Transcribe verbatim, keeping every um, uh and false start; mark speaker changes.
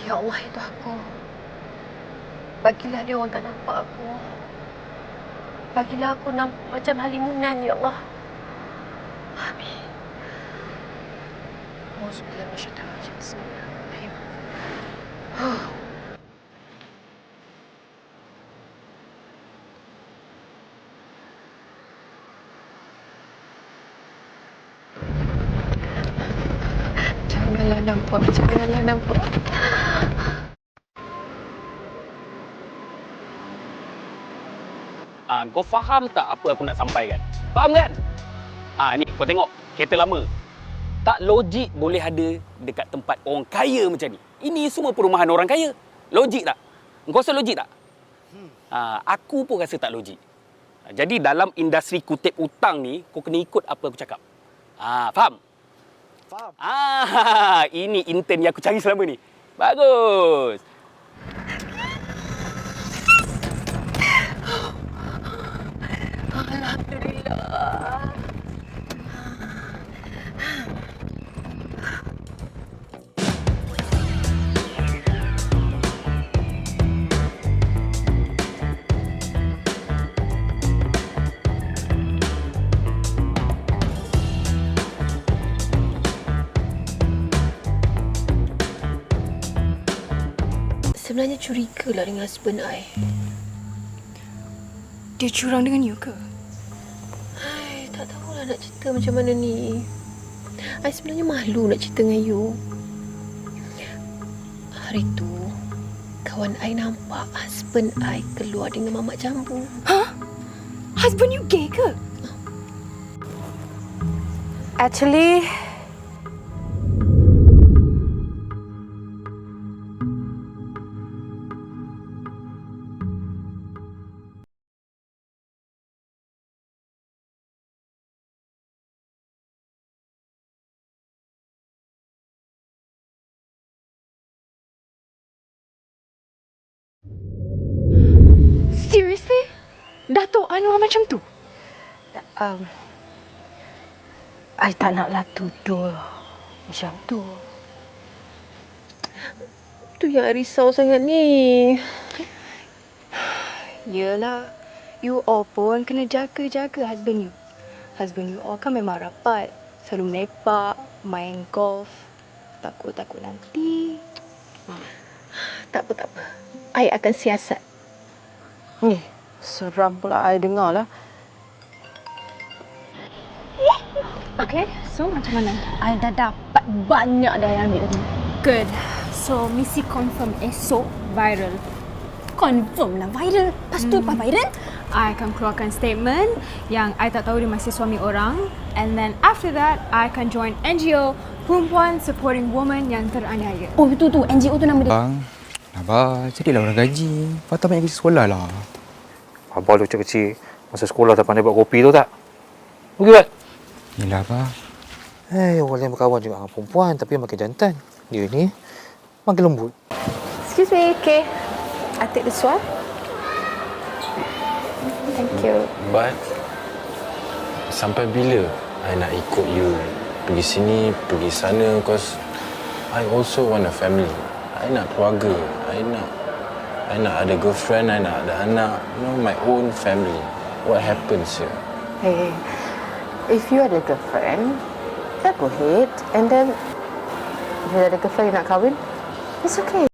Speaker 1: Ya Allah, itu aku. Bagilah dia orang tak nampak aku. Bagilah aku nampak macam halimunan, Ya Allah. Amin. Auzubillah minasyaitanir rajim. Bismillahirrahmanirrahim. Janganlah nampak, janganlah nampak.
Speaker 2: Ah, kau faham tak apa aku nak sampaikan? Faham kan? Ah, ni kau tengok kereta lama. Tak logik boleh ada dekat tempat orang kaya macam ni. Ini semua perumahan orang kaya. Logik tak? Kau rasa logik tak? Hmm. Ah, aku pun rasa tak logik. Ah, jadi dalam industri kutip hutang ni, kau kena ikut apa aku cakap. Ah, faham?
Speaker 3: Faham.
Speaker 2: Ah, ini intern yang aku cari selama ni. Bagus.
Speaker 1: Alhamdulillah. Sebenarnya curiga lah dengan husband I.
Speaker 4: Dia curang dengan you ke?
Speaker 1: Hai, tak tahulah nak cerita macam mana ni. I sebenarnya malu nak cerita dengan you. Hari tu, kawan I nampak husband I keluar dengan mamak jambu.
Speaker 4: Hah? Husband you gay ke?
Speaker 5: Actually,
Speaker 4: Seriously? Datuk Anwar macam tu?
Speaker 5: um, I tak naklah tuduh macam tu.
Speaker 1: Tu yang I risau sangat ni.
Speaker 4: Yelah, you all pun kena jaga-jaga husband you. Husband you all kan memang rapat. Selalu melepak, main golf. Takut-takut nanti.
Speaker 1: Tak apa, tak apa. I akan siasat.
Speaker 5: Ni, seram pula I dengar lah.
Speaker 4: Okay, so macam mana?
Speaker 5: I dah dapat banyak dah yang ambil tadi.
Speaker 6: Good. So, misi confirm esok viral. Confirm lah viral. Lepas tu
Speaker 4: Hmm.
Speaker 6: apa viral?
Speaker 4: I akan keluarkan statement yang I tak tahu dia masih suami orang. And then after that, I akan join N G O Perempuan Supporting Women yang teraniaya.
Speaker 6: Oh, itu tu. N G O tu nama dia.
Speaker 7: Bang, Abah, jadilah orang gaji. Patut banyak kerja sekolah lah.
Speaker 3: Abang tu kecil-kecil. Masa sekolah tak pandai buat kopi tu tak? Pergi buat.
Speaker 7: Yelah, Abah.
Speaker 3: Eh, orang lain berkawan juga dengan perempuan tapi makin jantan. Dia ni makin lembut.
Speaker 5: Excuse me, okay. I take this one. Thank you.
Speaker 8: But sampai bila I nak ikut you pergi sini, pergi sana, cause I also want a family. I nak keluarga. I nak I nak ada girlfriend, I nak ada anak. You know, my own family. What happens here?
Speaker 5: Hey, if you ada girlfriend, then go ahead. And then, if you ada girlfriend yang nak kahwin, it's okay.